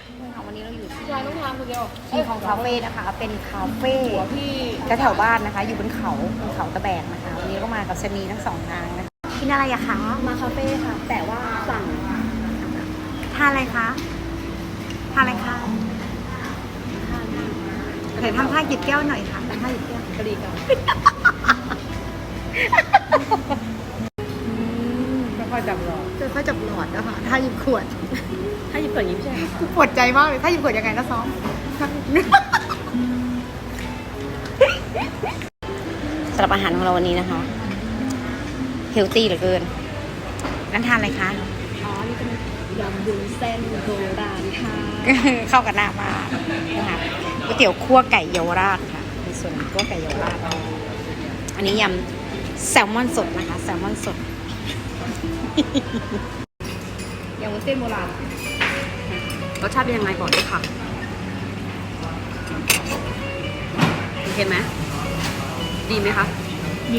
วันนี้เราอยู่ที่ยายต้องทานคนเดียวคิงคองคาเฟ่นะคะ เป็นคาเฟ่หัวพี่แถวบ้านนะคะ อยู่บนเขาตะแบกนะคะ วันนี้ก็มากับชะนีทั้งสองนางนะคะกินอะไรอะคะมาคาเฟ่ค่ะ แต่ว่าสั่งทานอะไรคะทานอะไรคะเดี๋ยวทำท่าหยิบแก้วหน่อยค่ะทำท่าหยิบแก้วกะหรี่กันไม่ค่อยจับหรอกจะค่อยจับหลอดนะคะท่าหยิบขวดถ้าหยิบก่อนยิ้มใช่ไหมปวดใจมากเลยถ้าหยิบขวดยังไงนะซ้อมสำหรับอาหารของเราวันนี้นะคะเฮลตี้เหลือเกินนั่นทานอะไรคะอ๋อ นี่เป็นยำวุ้นเส้นโบราณค่ะเข้ากันหน้ามากนะคะก๋วยเตี๋ยวคั่วไก่เยาวราชค่ะในส่วนของคั่วไก่เยาวราชอันนี้ยำแซลมอนสดนะคะแซลมอนสดยำวุ้นเส้นโบราณรสชาติเป็นยังไงบอกด้วยค่ะโอเคไหมดีไหมคะ ดี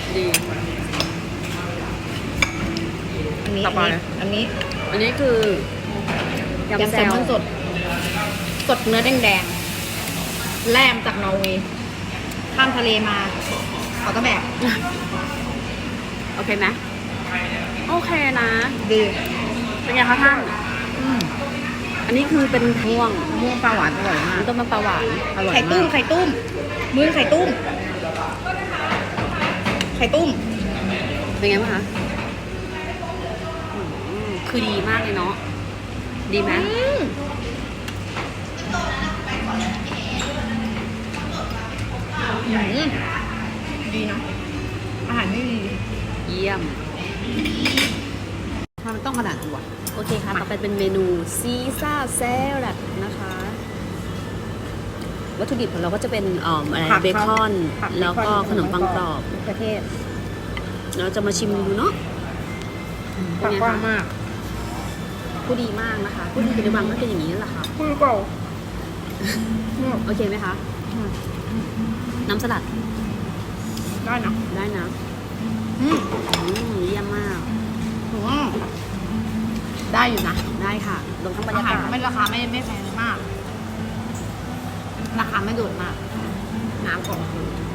อันนี้ต่อไปอันนี้อันนี้คือยำแซลมอนสดสดเนื้อแดงๆแล่มจากนอร์เวย์ข้ามทะเลมาเขาก็แบบโอเคไหมโอเคนะดีเป็นไงคะท่านอันนี้คือเป็นม่วงม่วงปลาหวานอร่อยมากต้มน้ำปลาหวานอร่อยไข่ตุ้มมากไข่ตุ้มมือไข่ตุ้มไข่ตุ้มเป็นไงบ้างคะคือดีมากเลยเนาะดีไหมดีนะอาหารไม่ดีเยี่ยมทำไมต้องขนาดนี้วะโอเคค่ะ ต่อไปเป็นเมนูซีซ่าแซลัดนะคะ วัตถุดิบของเราก็จะเป็นอะไรเบคอนแล้วก็ขนมปังกรอบประเทศเราจะมาชิมดูเนาะผักกว้างมากผู้ดีมากนะคะผู้ดีในวังก็เป็นอย่างนี้นั่นแหละค่ะพูดเปล่าโอเคไหมคะ น้ำสลัดได้นะได้นะ เยี่ยมมากได้อยู่นะได้ค่ะรวมทั้งบรรากาอายหารศไม่ราคาไม่แพงมาก ราคาไม่โดดมาก น้ำก่อน